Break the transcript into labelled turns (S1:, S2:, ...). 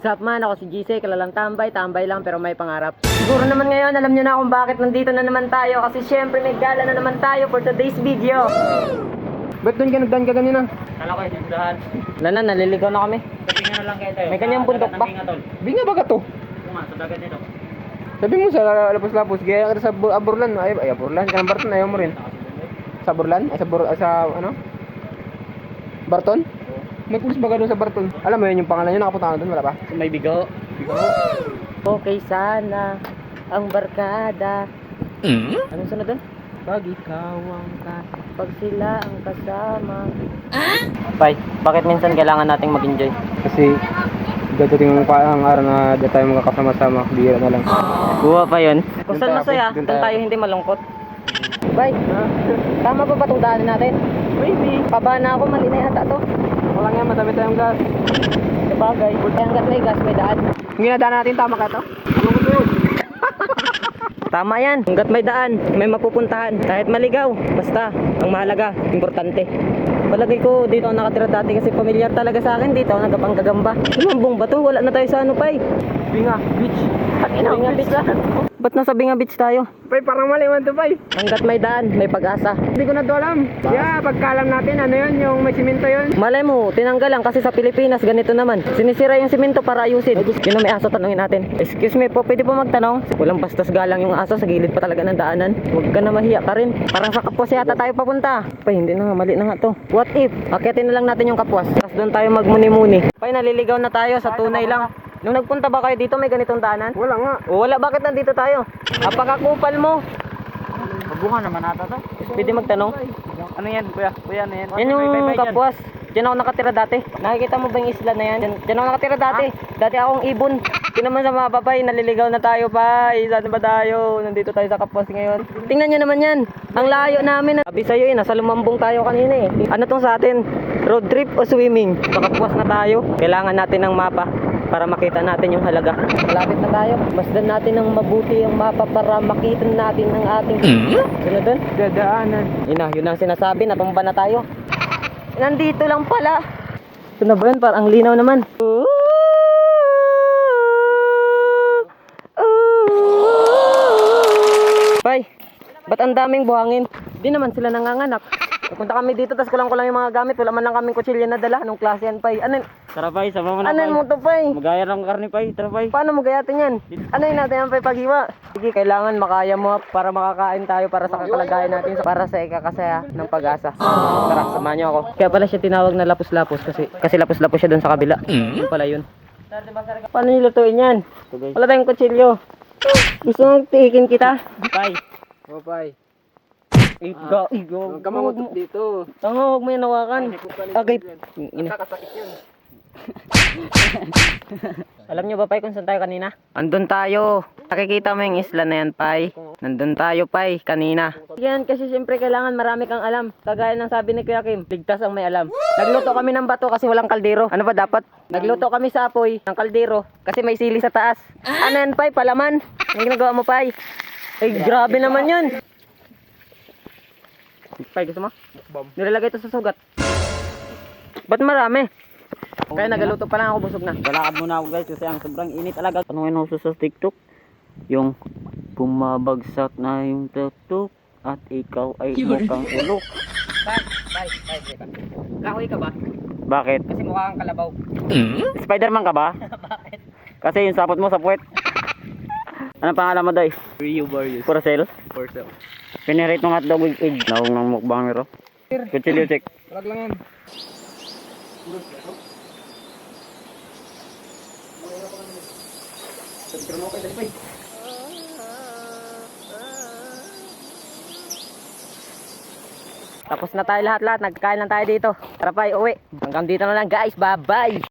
S1: What's up man, ako si GC, kilalang tambay lang pero may pangarap. Siguro naman ngayon, alam nyo na kung bakit nandito na naman tayo. Kasi syempre may gala na naman tayo for today's video.
S2: Ba't doon ka nagdaan ka ganina?
S3: Kala ko yung dahan.
S1: Wala na, naliligaw na kami.
S3: Sabi nga na lang kayo tayo.
S1: May kanyang bundok pa.
S2: Binga ba ka to?
S3: Oo nga, sa dagat nito.
S2: Sabi mo sa lapos-lapos, gaya ka sa Aburlan. Ay, Aburlan, ka ng Barton, ayaw mo rin. Sa Aburlan? Ay, sa ano? Barton? May pulis ba ka doon sa Barton? Alam mo yun yung pangalan nyo, nakapunta ka doon, wala pa?
S3: May bigo.
S1: Okay sana ang barkada. Anong sunod doon?
S2: Pag ikaw ang
S1: Pag sila ang kasama. Bay, bakit minsan kailangan nating mag-enjoy?
S2: Kasi dadating ang araw na di tayo magkakasama-sama, bihira na lang.
S1: Buwa pa yun. Kung saan
S2: Doon
S1: masaya,
S2: doon
S1: doon tayo hindi malungkot. Bay, tama ba itong daanan natin?
S2: Maybe.
S1: Paba na ako, mali na yata to.
S2: Wala nga, madami tayong gas.
S1: Sabagay, kaya hanggat may gas, may daan.
S2: Yung ginadaan natin, tama ka to? Ano ko to?
S1: Tama yan, hanggat may daan, may mapupuntahan. Kahit maligaw, basta, ang mahalaga, importante. Palagay ko, dito ako nakatira dati kasi pamilyar talaga sa akin. Dito ako nagkapanggagamba. Lumambong ba to? Wala na tayo sa ano, Pay.
S2: Binga, beach.
S1: Binga Beach na. Ba't nasa Binga Beach tayo?
S2: Pay, parang mali man to, Pay.
S1: Hanggat may daan, may pag-asa.
S2: Hindi ko na to alam. Yeah, pagkalam natin, ano yun, yung may simento yun.
S1: Malay mo, tinanggal lang kasi sa Pilipinas ganito naman. Sinisira yung simento para ayusin. Yun ang may aso, tanungin natin. Excuse me po, pwede po magtanong? Walang bastos galang yung aso, sa gilid pa talaga ng daanan. Huwag ka na mahiya ka rin. Parang sa Kapuas yata tayo papunta. Pay, hindi na nga, mali na nga to. What if, akitin na lang natin yung Kapuas. Tapos doon tayo magmuni-muni. Pay, naliligaw na tayo sa tunay lang. Nung nagpunta ba kayo dito, may ganitong daanan?
S2: Wala nga.
S1: O wala, bakit nandito tayo? Apakakupal mo.
S3: Magbunga naman ata to.
S1: Pwede magtanong?
S3: Ano yan, kuya? Kuya, ano yan?
S1: Yan yung Kapuas. Diyan ako nakatira dati. Nakikita mo ba yung isla na yan? Diyan ako nakatira dati. Dati akong ibon. Tingnan naman sa mga papay, naliligaw na tayo pa. Saan ba tayo? Nandito tayo sa Kapuas ngayon. Tingnan nyo naman yan. Ang layo namin. Sabi sa'yo nasa Lumambong tayo kanina eh. Ano tong sa atin? Road trip o swimming? Sa Kapuas na tayo. Kailangan natin ng mapa para makita natin yung halaga. Malapit na tayo. Masdan natin ng mabuti ang mapa para makita natin ang ating... Sunod dun?
S2: Dadaanan.
S1: Yun ang sinasabi, natumba na tayo. Nandito lang pala. Ito na ba yun? Parang ang linaw naman. Bay, ba't ang daming buhangin? Di naman sila nanganganak. Punta kami dito, tas kulang yung mga gamit. Wala man lang kaming kutsilyo na dala. Anong klase yan, Pay?
S3: Tara, Pay, sama mo na,
S1: Ano
S3: Pay.
S1: mo to, Pay?
S3: Magaya lang karne, Pay. Tara, Pay.
S1: Paano mo gayatin yan? Ano yun natin yan, Pay, paghiwa? Sige, kailangan makaya mo para makakain tayo para sa kalagayan natin, para sa ikakasaya ng pag-asa. Tara, samahan niyo ako. Kaya pala siya tinawag na lapos-lapos kasi lapos-lapos siya doon sa kabila. Yun pala yun. Paano nilutuin yan? Wala tayong kutsilyo. Gusto mong tiikin kita?
S3: Pay.
S2: Oh, Pay.
S1: Igo.
S2: Huwag ka mangutot dito.
S1: Tango, huwag mo yan hawakan. Okay.
S2: Kakasakit yun.
S1: Alam nyo ba, Pay, kung saan tayo kanina? Andun tayo. Nakikita mo yung isla na yan, Pay. Nandun tayo, Pay, kanina. Yan, kasi siyempre kailangan marami kang alam. Kagaya ng sabi ni Kuya Kim, ligtas ang may alam. Nagluto kami ng bato kasi walang kaldero. Ano ba dapat? Nagluto kami sa apoy ng kaldero kasi may sili sa taas. Ano yan, Pay? Palaman? Ang ginagawa mo, Pay? Ay, grabe naman yun. Pay, gusto mo? Nilalagay ito sa sugat. Ba't marami? Kaya nagaluto pa lang ako, busog na.
S3: Galakad muna ako, guys, kasi ang sobrang init talaga. Tanungin ako sa TikTok. Yung bumabagsak na yung tutok at ikaw ay mukhang ulok.
S1: Pay. Kahoy ka ba?
S3: Bakit?
S1: Kasi mukha kang kalabaw.
S3: Spiderman ka ba?
S1: Bakit?
S3: Kasi yung sapot mo sa puwet. Anong pangalan mo, Day?
S2: Rio Barrios.
S3: Purcell?
S2: For sale.
S3: Pinirate ng hotdog with egg. Nawag ng mukbangero. Kutsilyo, check.
S2: Wag lang yan.
S1: Tapos na tayo lahat. Nagkain lang tayo dito. Tara, Pay, uwi. Hanggang dito na lang, guys. Bye-bye.